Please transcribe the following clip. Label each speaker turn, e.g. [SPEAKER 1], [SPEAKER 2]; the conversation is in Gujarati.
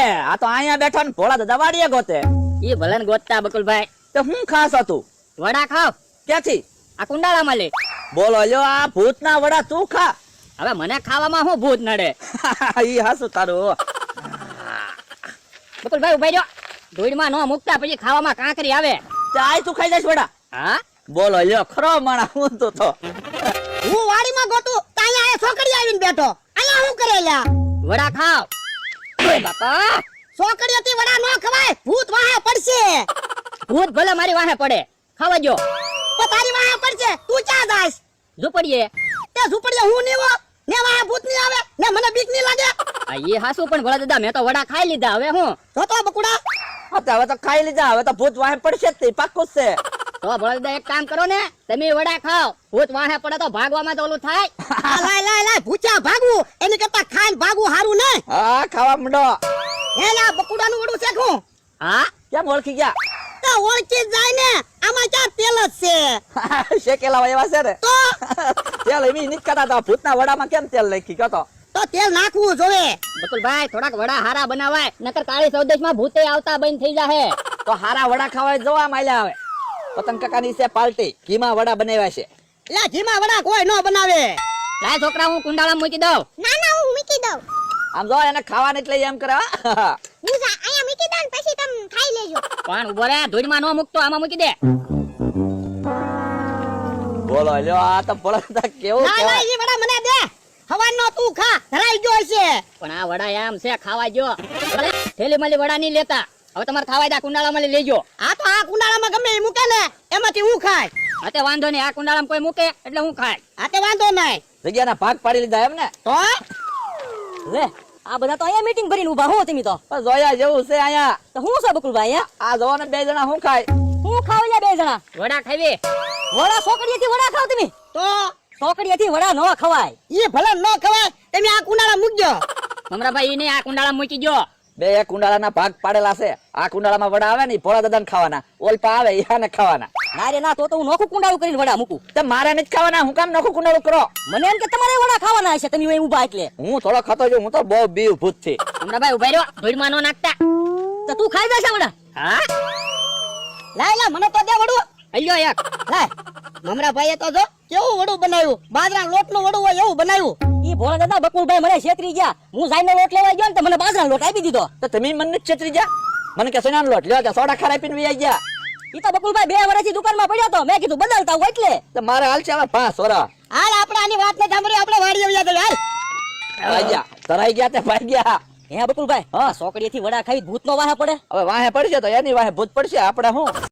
[SPEAKER 1] આ તો અહીંયા બેઠા ને ભોળા દાદા વાડીએ ગોતે.
[SPEAKER 2] ઈ ભલે ને ગોતતા બકુલભાઈ.
[SPEAKER 1] તો હું ખાસ હતું
[SPEAKER 2] વડા ખાવ
[SPEAKER 1] ક્યાંથી?
[SPEAKER 2] આ કુંડાળામાં લે.
[SPEAKER 1] બોલો લ્યો, આ ભૂતના વડા તું ખા.
[SPEAKER 2] હવે મને ખાવામાં શું ભૂત નડે?
[SPEAKER 1] ઈ હાસુ તારું.
[SPEAKER 2] બકુલભાઈ ઉભા રહ્યો. ધૂળમાં ન મૂકતા પછી ખાવામાં કાંકરી આવે.
[SPEAKER 1] ચાય તું ખાઈ જઈશ વડા?
[SPEAKER 2] હા
[SPEAKER 1] બોલો લ્યો, ખરો માણા હું તો
[SPEAKER 3] હું વાડીમાં ગોતું તો અહીંયા છોકરી આવીને બેઠો. અહીંયા હું કરે લ્યા?
[SPEAKER 2] વડા ખાવ. ઓય બાપા,
[SPEAKER 3] છોકરીઓથી વડા ન ખવાય, ભૂત વાહે પડશે.
[SPEAKER 2] ભૂત ભલે મારી વાહે પડે, ખાવા જો.
[SPEAKER 3] તો તારી વાહે પડશે, તું ક્યાં જાઈશ?
[SPEAKER 2] ઝૂંપડીએ.
[SPEAKER 3] તે ઝૂંપડીએ હું નીવો ને વાહે ભૂત ની આવે ને મને બીક ની લાગે.
[SPEAKER 2] આ ઈ હાસુ પણ ભોળા દાદા મેં તો વડા ખાઈ લીધા. હવે હું
[SPEAKER 3] તો બકુડા
[SPEAKER 1] હવે તો ખાઈ લીધા. હવે તો ભૂત વાહે પડશે જ તે પાક્કું જ છે.
[SPEAKER 2] તો ભોળા દાદા એક કામ કરો ને, તમે વડા ખાઓ. ભૂત વાહે પડે તો ભાગવામાં તો ઓલું થાય.
[SPEAKER 3] લાય ભૂચા ભાગવું એની કરતા ખાઈને ભાગવું હારું ને.
[SPEAKER 1] હા, ખાવા માંડો.
[SPEAKER 3] એલા બકુડાનું વડું શેખું.
[SPEAKER 2] હા
[SPEAKER 1] કેમ ઓળખી ગયા?
[SPEAKER 3] તો ઓળખી જ જાય ને, આમાં ક્યાં તેલ જ છે.
[SPEAKER 1] શેકેલા એવા છે ને.
[SPEAKER 3] તો
[SPEAKER 1] તેલ એવી નીકળતા હતા. ભૂતના વડામાં કેમ તેલ નાખી કયો
[SPEAKER 3] તો તેલ નાખવું જોવે.
[SPEAKER 2] બકુલભાઈ થોડાક વડા હારા બનાવાય, નકર કાળી સૌદેશમાં ભૂતે આવતા બંધ થઈ જાહે.
[SPEAKER 1] તો હારા વડા ખાવા જોવા માલ્યા આવે. પતંગ કાકાની છે પાર્ટી, ઘીમાં વડા બનાવ્યા છે.
[SPEAKER 3] એટલે ઘીમાં વડા કોઈ ન બનાવે.
[SPEAKER 2] લાય છોકરા, હું કુંડાળામાં મૂકી દઉં.
[SPEAKER 3] ના હું મૂકી દઉં.
[SPEAKER 1] આમ જો એને ખાવાને એટલે એમ કરે.
[SPEAKER 3] હું અહીંયા મૂકી દઉં પછી તમે ખાઈ લેજો.
[SPEAKER 2] પણ ઉભો રે, ધૂળમાં ન મૂકતો, આમાં મૂકી દે.
[SPEAKER 1] બોલો લ્યો, આ તો ભોળા કેવું
[SPEAKER 3] ના
[SPEAKER 1] કહેવાય.
[SPEAKER 3] ઈ વડા મને દે. હવાનો તું ખા, ધરાઈ ગયો છે.
[SPEAKER 2] પણ આ વડા એમ છે ખાવા જો. થેલી માલી વડા નહીં લેતા. હવે તમારે ખાવા દા, કુંડાળામાં લઈ લેજો.
[SPEAKER 3] આ તો આ કુંડાળામાં ગમે એ મૂકે ને એમાંથી હું ખાય.
[SPEAKER 2] હાતે વાંધો નહીં, આ કુંડાળામાં કોઈ મૂકે એટલે હું ખાય.
[SPEAKER 3] આ તે વાંધો નહીં.
[SPEAKER 1] જગ્યાના ભાગ પાડી લીધા એમ ને.
[SPEAKER 3] તો
[SPEAKER 2] લે આ બધા તો અહીંયા મીટિંગ ભરીને ઊભા હો તમે તો.
[SPEAKER 1] પણ જોયા જેવું છે અહીંયા.
[SPEAKER 2] તો હું છે બકુલભાઈ?
[SPEAKER 1] આ જોવો ને, 2 જણા હું ખાય.
[SPEAKER 2] હું ખાવ લે 2 જણા વડા ખાવી. વડા છોકરીએથી વડા ખાવ તમે?
[SPEAKER 3] તો
[SPEAKER 2] છોકરીએથી વડા ન ખવાય.
[SPEAKER 3] ઈ ભલે ન ખવાય, તમે આ કુંડાળા મૂકજો.
[SPEAKER 2] મમરાભાઈ ને આ કુંડાળામાં મૂકી જો.
[SPEAKER 1] 2 કુંડાળાના ભાગ પાડેલા છે. આ કુંડાળામાં વડા આવે ને, ભોળા દાદાને ખાવાના. ઓલપા આવે યાને ખાવાના.
[SPEAKER 2] ના રે ના, તો હું નોખું કુંડાળું કરીને વડા મૂકું.
[SPEAKER 1] તો મારે નથી ખાવાના. હું કામ નખું કુંડાળું કરો?
[SPEAKER 2] મને એમ કે તમારે વડા ખાવાના હશે, તમે અહીં ઊભા એટલે.
[SPEAKER 1] હું થોડો ખાતો છું. હું તો બહુ બીવ ભૂત થી.
[SPEAKER 2] મમરાભાઈ ઉભા રહ્યો, ધૂળમાં ન નાખતા. તો તું ખાઈ જશે વડા? હા
[SPEAKER 3] લાય મને તો દે વડું.
[SPEAKER 2] અલ્યો એક.
[SPEAKER 3] લાય મમરાભાઈએ તો જો કેવું વડું બનાવ્યું. બાજરા લોટનું વડું હોય એવું બનાવ્યું.
[SPEAKER 2] ઈ ભોળા દાદા બકુલભાઈ મને છેતરી ગયા. હું જાઈને લોટ લેવા ગયો ને તો મને બાજરાનો લોટ આપી દીધો.
[SPEAKER 1] તો તમે મને છેતરી જા. મને કે સોનાનો લોટ લ્યો, કે સોડા ખારા પીને વી ગયા.
[SPEAKER 2] ઈ તો બકુલભાઈ 2 વર્ષથી દુકાનમાં પડ્યો તો, મેં કીધું બદલતા હું એટલે.
[SPEAKER 1] તો મારે હાલ છે હવે 5 વરા.
[SPEAKER 3] હાલ આપણે આની વાત ને સાંભળી આપણે વાડીએ વ્યા તો હાલ.
[SPEAKER 1] ભાઈ ગયા, તરાઈ ગયા તે ભાઈ ગયા.
[SPEAKER 2] હે બકુલભાઈ, હા છોકરીએથી વડા ખાઈ ભૂતનો વાહે પડે.
[SPEAKER 1] હવે વાહે પડશે તો એની વાહે ભૂત પડશે. આપણે હું